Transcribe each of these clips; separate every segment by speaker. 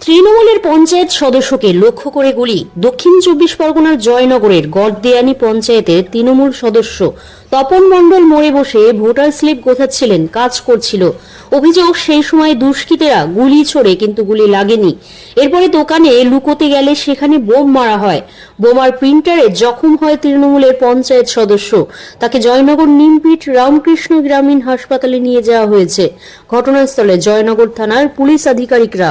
Speaker 1: তৃণমূলের পঞ্চায়েত সদস্যকে লক্ষ্য করে গুলি। দক্ষিণ 24 পরগনার জয়নগরের গড়দেয়ানি পঞ্চায়েতের তৃণমূল সদস্য তপন মণ্ডল মোড়ে বসে ভোটার স্লিপ গোছাচ্ছিলেন, কাজ করছিল। অভিযোগ, সেই সময় দুষ্কৃতীরা গুলি ছোড়ে কিন্তু গুলি লাগেনি। এরপরে দোকানে লুকোতে গেলে সেখানে বোম মারা হয়। বোমার প্রিন্টারে জখম হয় তৃণমূলের পঞ্চায়েত সদস্য। তাকে জয়নগর নিমপিট রামকৃষ্ণ গ্রামীণ হাসপাতালে নিয়ে যাওয়া হয়েছে। ঘটনাস্থলে জয়নগর থানার পুলিশ আধিকারিকরা।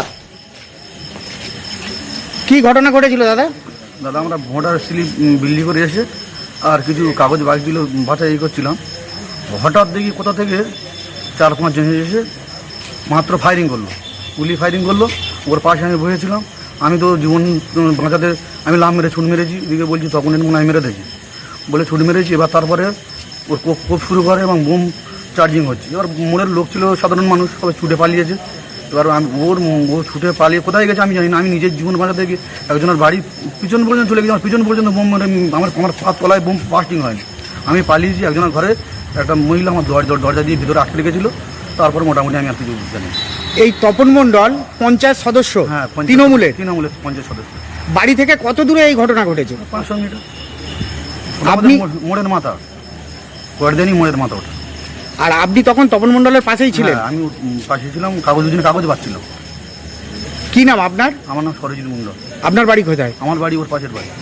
Speaker 2: কি ঘটনা ঘটেছিল দাদা?
Speaker 3: দাদা, আমরা ভোটার স্লিপ বিলি করে এসে আর কিছু কাগজ বাকিগুলো বাছাই করছিলাম। হঠাৎ দেখি কোথা থেকে 4-5 জন এসে মাত্র ফায়ারিং করলো, গুলি ফায়ারিং করলো। ওর পাশে আমি বসেছিলাম। আমি তো জীবন বাঁচাতে আমি লাভ মেরে ছুট মেরেছি। এদিকে বলছি তখন মনে হয় মেরে দিয়েছি বলে ছুট মেরেছি। এবার তারপরে ওর কোপ শুরু করে এবং বোম চার্জিং হচ্ছে। এবার মোড়ের লোক ছিল, সাধারণ মানুষ, সবাই ছুটে পালিয়েছে। এবার ও ছুটে পালিয়ে কোথায় গেছে আমি জানি না। আমি নিজের জীবন বাঁচাতে গিয়ে একজনের বাড়ি পিছন পর্যন্ত চলে গেছি। আমার পিছন পর্যন্ত বোম মেরে আমার পা তলায় বোম বাস্টিং হয়নি। আমি পালিয়েছি। একজনের ঘরে একটা মহিলা আমার দরজা দিয়ে ভিতরে আটকে রেখেছিল। তারপর মোটামুটি আমি আর কিছু জানি।
Speaker 2: এই তপন মণ্ডল পঞ্চায়েত সদস্য,
Speaker 3: হ্যাঁ,
Speaker 2: তৃণমূলের
Speaker 3: পঞ্চায়েত সদস্য।
Speaker 2: বাড়ি থেকে কত দূরে এই ঘটনা ঘটেছে?
Speaker 3: 500 মিটার।
Speaker 2: আপনি
Speaker 3: মোড়ের মাথা, গড়দেয়ানি মোড়ের মাথা ওটা।
Speaker 2: আর আপনি তখন তপন মণ্ডলের পাশেই ছিলেন?
Speaker 3: হ্যাঁ, আমি পাশে ছিলাম। দুদিন কাগজ পাচ্ছিল।
Speaker 2: কি নাম আপনার?
Speaker 3: আমার নাম সরজিৎ মণ্ডল।
Speaker 2: আপনার বাড়ি কোথায়?
Speaker 3: আমার বাড়ি ওর পাশের বাড়ি।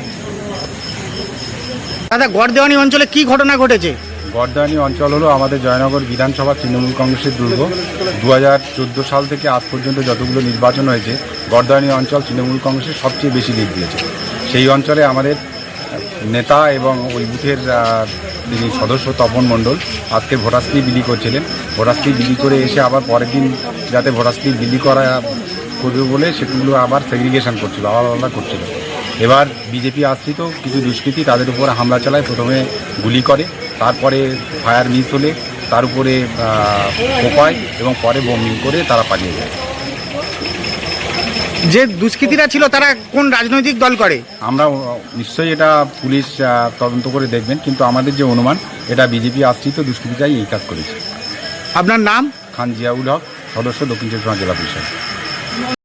Speaker 2: দাদা, গড়দেওয়ানি অঞ্চলে কি ঘটনা ঘটেছে?
Speaker 4: গড়দেওয়ানি অঞ্চল হলো আমাদের জয়নগর বিধানসভা তৃণমূল কংগ্রেসের দুর্গ। 2014 সাল থেকে আজ পর্যন্ত যতগুলো নির্বাচন হয়েছে, গড়দেওয়ানি অঞ্চল তৃণমূল কংগ্রেসের সবচেয়ে বেশি লিড দিয়েছে। সেই অঞ্চলে আমাদের নেতা এবং ওই বুথের যিনি সদস্য তপন মণ্ডল আজকে ভোটার স্লিপ বিলি করছিলেন। ভোটার স্লিপ বিলি করে এসে আবার পরের দিন যাতে ভোটার স্লিপ বিলি করা করবে বলে সেগুলো আবার সেগ্রিগেশন করছিল, আলাদা আলাদা করছিল। এবার বিজেপি আশ্রিত কিছু দুষ্কৃতী তাদের উপর হামলা চালায়। প্রথমে গুলি করে, তারপরে ফায়ার মিস হলে তার উপরে কোপায় এবং পরে বোমিং করে তারা পালিয়ে যায়।
Speaker 2: যে দুষ্কৃতীরা ছিল তারা কোন রাজনৈতিক দল করে?
Speaker 4: আমরা নিশ্চয়ই এটা পুলিশ তদন্ত করে দেখবেন, কিন্তু আমাদের যে অনুমান এটা বিজেপি আশ্রিত দুষ্কৃতীরাই এই কাজ করেছে।
Speaker 2: আপনার নাম?
Speaker 4: খান জিয়াউল হক, সদস্য, দক্ষিণ চব্বিশ পরগনা জেলা পরিষদ।